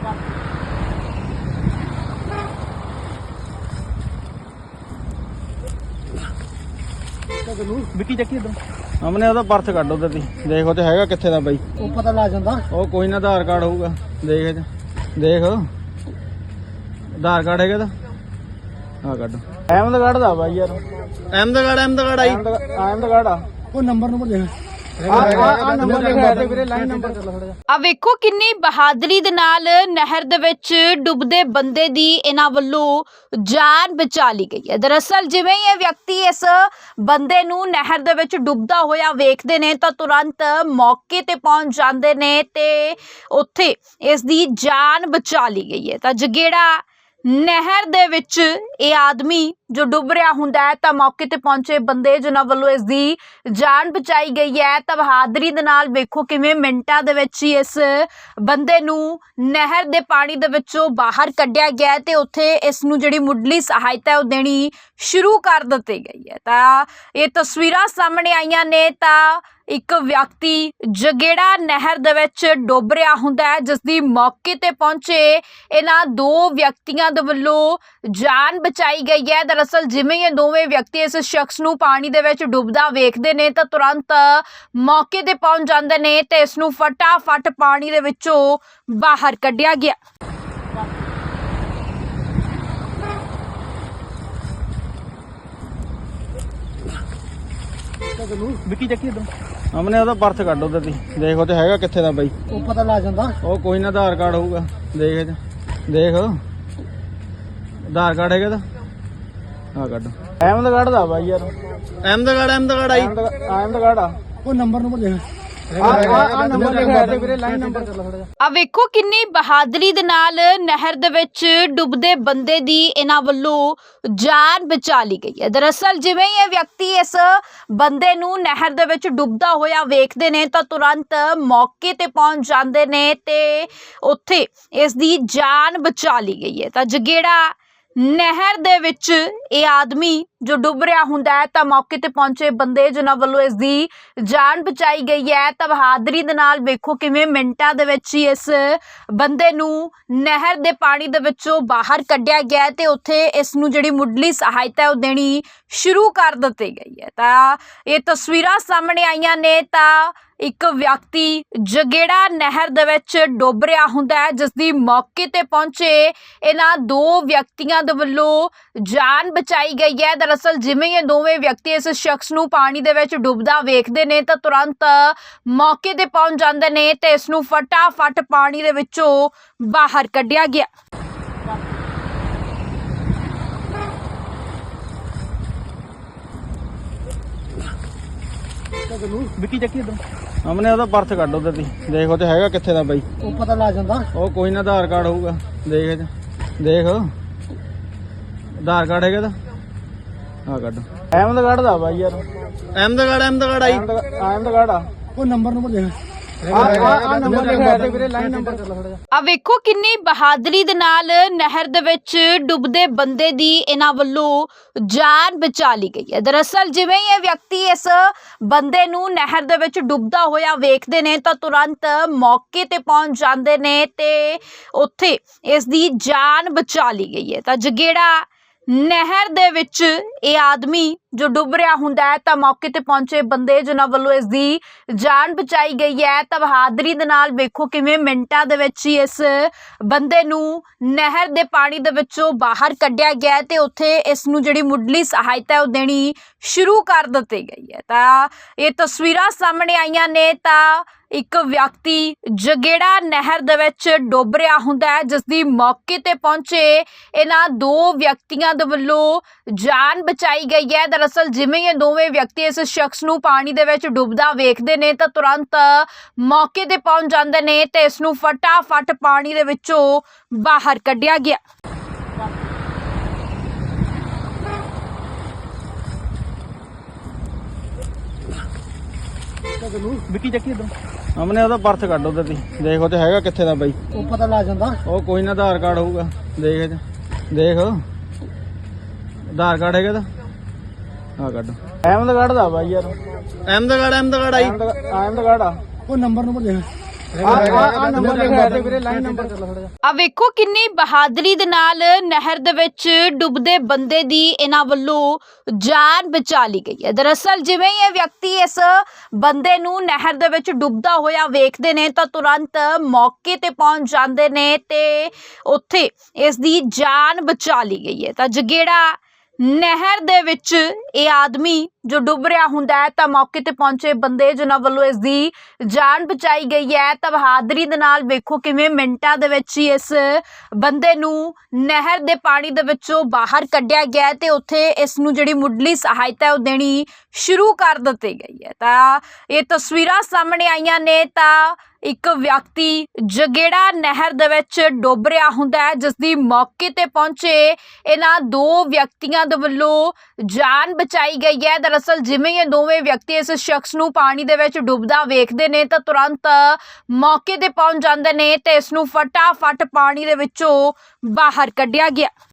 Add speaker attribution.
Speaker 1: ਵਿੱਕੀ ਚੱਕੀ ਇਧਰ ਸਾਹਮਣੇ ਉਹਦਾ ਪਰਸ ਕੱਢ ਉਧਰ ਦੀ ਦੇਖ ਉੱਥੇ ਹੈਗਾ ਕਿੱਥੇ ਦਾ ਬਾਈ
Speaker 2: ਉਹ ਪਤਾ ਲੱਗ ਜਾਂਦਾ।
Speaker 1: ਉਹ ਕੋਈ ਨਾ ਆਧਾਰ ਕਾਰਡ ਹੋਊਗਾ ਦੇਖ ਦੇਖ ਆਧਾਰ ਕਾਰਡ ਹੈਗਾ ਤਾਂ ਆ ਕੱਢ ਅਹਿਮਦਗੜ੍ਹ ਦਾ ਬਾਈ ਯਾਰ ਅਹਿਮਦਗੜ੍ਹ ਆਈ ਅਹਿਮਦਗੜ੍ਹ ਆ
Speaker 2: ਉਹ ਨੰਬਰ ਦੇਖ
Speaker 1: ਨੰਬਰ ਲਿਖਿਆ ਤੇ ਵੀਰੇ ਲਾਈਨ ਨੰਬਰ ਚੱਲ ਥੋੜਾ ਜਿਹਾ।
Speaker 3: ਆ ਵੇਖੋ ਕਿੰਨੀ ਬਹਾਦਰੀ ਦੇ ਨਾਲ ਨਹਿਰ ਦੇ ਵਿੱਚ ਡੁੱਬਦੇ ਬੰਦੇ ਦੀ ਇਹਨਾਂ ਵੱਲੋਂ ਜਾਨ ਬਚਾ ਲਈ ਗਈ ਹੈ। ਦਰਅਸਲ ਜਿਵੇਂ ਹੀ ਇਹ ਵਿਅਕਤੀ ਇਸ ਬੰਦੇ ਨੂੰ ਨਹਿਰ ਦੇ ਵਿੱਚ ਡੁੱਬਦਾ ਹੋਇਆ ਵੇਖਦੇ ਨੇ ਤਾਂ ਤੁਰੰਤ ਮੌਕੇ ਤੇ ਪਹੁੰਚ ਜਾਂਦੇ ਨੇ ਤੇ ਉੱਥੇ ਇਸ ਦੀ ਜਾਨ ਬਚਾ ਲਈ ਗਈ ਹੈ। ਤਾਂ ਜਗੇੜਾ ਨਹਿਰ ਦੇ ਵਿੱਚ ਇਹ ਆਦਮੀ ਜੋ ਡੁੱਬ ਰਿਹਾ ਹੁੰਦਾ ਹੈ ਤਾਂ ਮੌਕੇ ਤੇ ਪਹੁੰਚੇ ਬੰਦੇ ਜਿਨ੍ਹਾਂ ਵੱਲੋਂ ਇਸ ਦੀ ਜਾਨ ਬਚਾਈ ਗਈ ਹੈ ਤਾਂ ਬਹਾਦਰੀ ਦੇ ਨਾਲ ਵੇਖੋ ਕਿਵੇਂ ਮਿੰਟਾਂ ਦੇ ਵਿੱਚ ਹੀ ਇਸ ਬੰਦੇ ਨੂੰ ਨਹਿਰ ਦੇ ਪਾਣੀ ਦੇ ਵਿੱਚੋਂ ਬਾਹਰ ਕੱਢਿਆ ਗਿਆ ਤੇ ਉੱਥੇ ਇਸ ਨੂੰ ਜਿਹੜੀ ਮੁੱਢਲੀ ਸਹਾਇਤਾ ਹੈ ਉਹ ਦੇਣੀ ਸ਼ੁਰੂ ਕਰ ਦਿੱਤੀ ਗਈ ਹੈ। ਤਾਂ ਇਹ ਤਸਵੀਰਾਂ ਸਾਹਮਣੇ ਆਈਆਂ ਨੇ ਤਾਂ ਇੱਕ ਵਿਅਕਤੀ ਜਗੇੜਾ ਨਹਿਰ ਦੇ ਵਿੱਚ ਡੁੱਬ ਰਿਹਾ ਹੁੰਦਾ ਹੈ ਜਿਸ ਦੀ ਮੌਕੇ ਤੇ ਪਹੁੰਚੇ ਇਹਨਾਂ ਦੋ ਵਿਅਕਤੀਆਂ ਦੇ ਵੱਲੋਂ ਜਾਨ ਬਚਾਈ ਗਈ ਹੈ। ਦਰਅਸਲ ਜਿਵੇਂ ਇਹ ਦੋਵੇਂ ਵਿਅਕਤੀ ਇਸ ਸ਼ਖਸ ਨੂੰ ਪਾਣੀ ਦੇ ਵਿੱਚ ਡੁੱਬਦਾ ਵੇਖਦੇ ਨੇ ਤਾਂ ਤੁਰੰਤ ਮੌਕੇ ਤੇ ਪਹੁੰਚ ਜਾਂਦੇ ਨੇ ਤੇ ਇਸ ਨੂੰ ਫਟਾਫਟ ਪਾਣੀ ਦੇ ਵਿੱਚੋਂ ਬਾਹਰ ਕੱਢਿਆ ਗਿਆ।
Speaker 1: ਵਿੱਕੀ ਚੱਕੀ ਇਧਰ ਸਾਹਮਣੇ ਉਹਦਾ ਪਰਸ ਕੱਢ ਉਧਰ ਦੀ ਦੇਖ ਉੱਥੇ ਹੈਗਾ ਕਿੱਥੇ ਦਾ ਬਾਈ
Speaker 2: ਉਹ ਪਤਾ ਲੱਗ ਜਾਂਦਾ।
Speaker 1: ਉਹ ਕੋਈ ਨਾ ਆਧਾਰ ਕਾਰਡ ਹੋਊਗਾ ਦੇਖ ਦੇਖ ਆਧਾਰ ਕਾਰਡ ਹੈਗਾ ਤਾਂ ਆ ਕੱਢ ਅਹਿਮਦਗੜ੍ਹ ਦਾ ਬਾਈ ਯਾਰ ਅਹਿਮਦਗੜ੍ਹ ਆਈ ਅਹਿਮਦਗੜ੍ਹ ਆ
Speaker 2: ਉਹ ਨੰਬਰ ਦੇਖ
Speaker 1: ਨੰਬਰ ਲਿਖਿਆ ਤੇ ਵੀਰੇ ਲਾਈਨ ਨੰਬਰ ਚੱਲ ਥੋੜਾ ਜਿਹਾ।
Speaker 3: ਆ ਵੇਖੋ ਕਿੰਨੀ ਬਹਾਦਰੀ ਦੇ ਨਾਲ ਨਹਿਰ ਦੇ ਵਿੱਚ ਡੁੱਬਦੇ ਬੰਦੇ ਦੀ ਇਹਨਾਂ ਵੱਲੋਂ ਜਾਨ ਬਚਾ ਲਈ ਗਈ ਹੈ। ਦਰਅਸਲ ਜਿਵੇਂ ਹੀ ਇਹ ਵਿਅਕਤੀ ਇਸ ਬੰਦੇ ਨੂੰ ਨਹਿਰ ਦੇ ਵਿੱਚ ਡੁੱਬਦਾ ਹੋਇਆ ਵੇਖਦੇ ਨੇ ਤਾਂ ਤੁਰੰਤ ਮੌਕੇ ਤੇ ਪਹੁੰਚ ਜਾਂਦੇ ਨੇ ਤੇ ਉੱਥੇ ਇਸ ਦੀ ਜਾਨ ਬਚਾ ਲਈ ਗਈ ਹੈ। ਤਾਂ ਜਗੇੜਾ ਨਹਿਰ ਦੇ ਵਿੱਚ ਇਹ ਆਦਮੀ ਜੋ ਡੁੱਬ ਰਿਹਾ ਹੁੰਦਾ ਹੈ ਤਾਂ ਮੌਕੇ ਤੇ ਪਹੁੰਚੇ ਬੰਦੇ ਜਿਨ੍ਹਾਂ ਵੱਲੋਂ ਇਸ ਦੀ ਜਾਨ ਬਚਾਈ ਗਈ ਹੈ ਤਾਂ ਬਹਾਦਰੀ ਦੇ ਨਾਲ ਵੇਖੋ ਕਿਵੇਂ ਮਿੰਟਾਂ ਦੇ ਵਿੱਚ ਹੀ ਇਸ ਬੰਦੇ ਨੂੰ ਨਹਿਰ ਦੇ ਪਾਣੀ ਦੇ ਵਿੱਚੋਂ ਬਾਹਰ ਕੱਢਿਆ ਗਿਆ ਤੇ ਉੱਥੇ ਇਸ ਨੂੰ ਜਿਹੜੀ ਮੁੱਢਲੀ ਸਹਾਇਤਾ ਹੈ ਉਹ ਦੇਣੀ ਸ਼ੁਰੂ ਕਰ ਦਿੱਤੀ ਗਈ ਹੈ। ਤਾਂ ਇਹ ਤਸਵੀਰਾਂ ਸਾਹਮਣੇ ਆਈਆਂ ਨੇ ਤਾਂ ਇੱਕ ਵਿਅਕਤੀ ਜਗੇੜਾ ਨਹਿਰ ਦੇ ਵਿੱਚ ਡੁੱਬ ਰਿਹਾ ਹੁੰਦਾ ਹੈ ਜਿਸ ਦੀ ਮੌਕੇ ਤੇ ਪਹੁੰਚੇ ਇਹਨਾਂ ਦੋ ਵਿਅਕਤੀਆਂ ਦੇ ਵੱਲੋਂ ਜਾਨ ਬਚਾਈ ਗਈ ਹੈ। ਦਰਅਸਲ ਜਿਵੇਂ ਇਹ ਦੋਵੇਂ ਵਿਅਕਤੀ ਇਸ ਸ਼ਖਸ ਨੂੰ ਪਾਣੀ ਦੇ ਵਿੱਚ ਡੁੱਬਦਾ ਵੇਖਦੇ ਨੇ ਤਾਂ ਤੁਰੰਤ ਮੌਕੇ ਤੇ ਪਹੁੰਚ ਜਾਂਦੇ ਨੇ ਤੇ ਇਸ ਨੂੰ ਫਟਾਫਟ ਪਾਣੀ ਦੇ ਵਿੱਚੋਂ ਬਾਹਰ ਕੱਢਿਆ ਗਿਆ।
Speaker 1: ਵਿੱਕੀ ਚੱਕੀ ਇਧਰ ਸਾਹਮਣੇ ਉਹਦਾ ਪਰਸ ਕੱਢ ਉਧਰ ਦੀ ਦੇਖ ਉੱਥੇ ਹੈਗਾ ਕਿੱਥੇ ਦਾ ਬਾਈ
Speaker 2: ਉਹ ਪਤਾ ਲੱਗ ਜਾਂਦਾ।
Speaker 1: ਉਹ ਕੋਈ ਨਾ ਆਧਾਰ ਕਾਰਡ ਹੋਊਗਾ ਦੇਖ ਦੇਖ ਆਧਾਰ ਕਾਰਡ ਹੈਗਾ ਤਾਂ ਆ ਕੱਢ ਅਹਿਮਦਗੜ੍ਹ ਦਾ ਬਾਈ ਯਾਰ ਅਹਿਮਦਗੜ੍ਹ ਆਈ ਅਹਿਮਦਗੜ੍ਹ ਆ
Speaker 2: ਉਹ ਨੰਬਰ ਦੇਖ
Speaker 1: ਨੰਬਰ ਲਿਖਿਆ ਤੇ ਵੀਰੇ ਲਾਈਨ ਨੰਬਰ ਚੱਲ ਥੋੜਾ ਜਿਹਾ।
Speaker 3: ਆ ਵੇਖੋ ਕਿੰਨੀ ਬਹਾਦਰੀ ਦੇ ਨਾਲ ਨਹਿਰ ਦੇ ਵਿੱਚ ਡੁੱਬਦੇ ਬੰਦੇ ਦੀ ਇਹਨਾਂ ਵੱਲੋਂ ਜਾਨ ਬਚਾ ਲਈ ਗਈ ਹੈ। ਦਰਅਸਲ ਜਿਵੇਂ ਹੀ ਇਹ ਵਿਅਕਤੀ ਇਸ ਬੰਦੇ ਨੂੰ ਨਹਿਰ ਦੇ ਵਿੱਚ ਡੁੱਬਦਾ ਹੋਇਆ ਵੇਖਦੇ ਨੇ ਤਾਂ ਤੁਰੰਤ ਮੌਕੇ ਤੇ ਪਹੁੰਚ ਜਾਂਦੇ ਨੇ ਤੇ ਉੱਥੇ ਇਸ ਦੀ ਜਾਨ ਬਚਾ ਲਈ ਗਈ ਹੈ। ਤਾਂ ਜਗੇੜਾ ਨਹਿਰ ਦੇ ਵਿੱਚ ਇਹ ਆਦਮੀ ਜੋ ਡੁੱਬ ਰਿਹਾ ਹੁੰਦਾ ਹੈ ਤਾਂ ਮੌਕੇ ਤੇ ਪਹੁੰਚੇ ਬੰਦੇ ਜਿਨ੍ਹਾਂ ਵੱਲੋਂ ਇਸ ਦੀ ਜਾਨ ਬਚਾਈ ਗਈ ਹੈ ਤਾਂ ਬਹਾਦਰੀ ਦੇ ਨਾਲ ਵੇਖੋ ਕਿਵੇਂ ਮਿੰਟਾਂ ਦੇ ਵਿੱਚ ਹੀ ਇਸ ਬੰਦੇ ਨੂੰ ਨਹਿਰ ਦੇ ਪਾਣੀ ਦੇ ਵਿੱਚੋਂ ਬਾਹਰ ਕੱਢਿਆ ਗਿਆ ਤੇ ਉੱਥੇ ਇਸ ਨੂੰ ਜਿਹੜੀ ਮੁੱਢਲੀ ਸਹਾਇਤਾ ਹੈ ਉਹ ਦੇਣੀ ਸ਼ੁਰੂ ਕਰ ਦਿੱਤੀ ਗਈ ਹੈ। ਤਾਂ ਇਹ ਤਸਵੀਰਾਂ ਸਾਹਮਣੇ ਆਈਆਂ ਨੇ ਤਾਂ ਇੱਕ ਵਿਅਕਤੀ ਜਗੇੜਾ ਨਹਿਰ ਦੇ ਵਿੱਚ ਡੁੱਬ ਰਿਹਾ ਹੁੰਦਾ ਹੈ ਜਿਸ ਦੀ ਮੌਕੇ ਤੇ ਪਹੁੰਚੇ ਇਹਨਾਂ ਦੋ ਵਿਅਕਤੀਆਂ ਦੇ ਵੱਲੋਂ ਜਾਨ ਬਚਾਈ ਗਈ ਹੈ। ਦਰਅਸਲ ਜਿਵੇਂ ਇਹ ਦੋਵੇਂ ਵਿਅਕਤੀ ਇਸ ਸ਼ਖਸ ਨੂੰ ਪਾਣੀ ਦੇ ਵਿੱਚ ਡੁੱਬਦਾ ਵੇਖਦੇ ਨੇ ਤਾਂ ਤੁਰੰਤ ਮੌਕੇ ਤੇ ਪਹੁੰਚ ਜਾਂਦੇ ਨੇ ਤੇ ਇਸ ਨੂੰ ਫਟਾਫਟ ਪਾਣੀ ਦੇ ਵਿੱਚੋਂ ਬਾਹਰ ਕੱਢਿਆ ਗਿਆ।
Speaker 1: ਵਿੱਕੀ ਚੱਕੀ ਇਧਰ ਸਾਹਮਣੇ ਉਹਦਾ ਪਰਸ ਕੱਢ ਉਧਰ ਦੀ ਦੇਖ ਉੱਥੇ ਹੈਗਾ ਕਿੱਥੇ ਦਾ ਬਾਈ
Speaker 2: ਉਹ ਪਤਾ ਲੱਗ ਜਾਂਦਾ।
Speaker 1: ਉਹ ਕੋਈ ਨਾ ਆਧਾਰ ਕਾਰਡ ਹੋਊਗਾ ਦੇਖ ਦੇਖ ਆਧਾਰ ਕਾਰਡ ਹੈਗਾ ਤਾਂ ਆ ਕੱਢ ਅਹਿਮਦਗੜ੍ਹ ਦਾ ਬਾਈ ਯਾਰ ਅਹਿਮਦਗੜ੍ਹ ਆਈ ਅਹਿਮਦਗੜ੍ਹ ਆ
Speaker 2: ਉਹ ਨੰਬਰ ਦੇਖ ਆ ਨੰਬਰ ਲਿਖਿਆ ਤੇ ਵੀਰੇ ਲਾਈਨ ਨੰਬਰ ਚੱਲ ਥੋੜਾ ਜਿਹਾ।
Speaker 3: ਆ ਵੇਖੋ ਕਿੰਨੀ ਬਹਾਦਰੀ ਦੇ ਨਾਲ ਨਹਿਰ ਦੇ ਵਿੱਚ ਡੁੱਬਦੇ ਬੰਦੇ ਦੀ ਇਹਨਾਂ ਵੱਲੋਂ ਜਾਨ ਬਚਾ ਲਈ ਗਈ ਹੈ। ਦਰਅਸਲ ਜਿਵੇਂ ਹੀ ਇਹ ਵਿਅਕਤੀ ਇਸ ਬੰਦੇ ਨੂੰ ਨਹਿਰ ਦੇ ਵਿੱਚ ਡੁੱਬਦਾ ਹੋਇਆ ਵੇਖਦੇ ਨੇ ਤਾਂ ਤੁਰੰਤ ਮੌਕੇ ਤੇ ਪਹੁੰਚ ਜਾਂਦੇ ਨੇ ਤੇ ਉੱਥੇ ਇਸ ਦੀ ਜਾਨ ਬਚਾ ਲਈ ਗਈ ਹੈ। ਤਾਂ ਜਗੇੜਾ ਨਹਿਰ ਦੇ ਵਿੱਚ ਇਹ ਆਦਮੀ ਜੋ ਡੁੱਬ ਰਿਹਾ ਹੁੰਦਾ ਹੈ ਤਾਂ ਮੌਕੇ ਤੇ ਪਹੁੰਚੇ ਬੰਦੇ ਜਿਨ੍ਹਾਂ ਵੱਲੋਂ ਇਸ ਦੀ ਜਾਨ ਬਚਾਈ ਗਈ ਹੈ ਤਾਂ ਬਹਾਦਰੀ ਦੇ ਨਾਲ ਵੇਖੋ ਕਿਵੇਂ ਮਿੰਟਾਂ ਦੇ ਵਿੱਚ ਹੀ ਇਸ ਬੰਦੇ ਨੂੰ ਨਹਿਰ ਦੇ ਪਾਣੀ ਦੇ ਵਿੱਚੋਂ ਬਾਹਰ ਕੱਢਿਆ ਗਿਆ ਤੇ ਉੱਥੇ ਇਸ ਨੂੰ ਜਿਹੜੀ ਮੁੱਢਲੀ ਸਹਾਇਤਾ ਹੈ ਉਹ ਦੇਣੀ ਸ਼ੁਰੂ ਕਰ ਦਿੱਤੀ ਗਈ ਹੈ। ਤਾਂ ਇਹ ਤਸਵੀਰਾਂ ਸਾਹਮਣੇ ਆਈਆਂ ਨੇ ਤਾਂ ਇੱਕ ਵਿਅਕਤੀ ਜਗੇੜਾ ਨਹਿਰ ਦੇ ਵਿੱਚ ਡੁੱਬ ਰਿਹਾ ਹੁੰਦਾ ਹੈ ਜਿਸ ਦੀ ਮੌਕੇ ਤੇ ਪਹੁੰਚੇ ਇਹਨਾਂ ਦੋ ਵਿਅਕਤੀਆਂ ਦੇ ਵੱਲੋਂ ਜਾਨ ਬਚਾਈ ਗਈ ਹੈ। ਦਰਅਸਲ ਜਿਵੇਂ ਇਹ ਦੋਵੇਂ ਵਿਅਕਤੀ ਇਸ ਸ਼ਖਸ ਨੂੰ ਪਾਣੀ ਦੇ ਵਿੱਚ ਡੁੱਬਦਾ ਵੇਖਦੇ ਨੇ ਤਾਂ ਤੁਰੰਤ ਮੌਕੇ ਤੇ ਪਹੁੰਚ ਜਾਂਦੇ ਨੇ ਤੇ ਇਸ ਨੂੰ ਫਟਾਫਟ ਪਾਣੀ ਦੇ ਵਿੱਚੋਂ ਬਾਹਰ ਕੱਢਿਆ ਗਿਆ।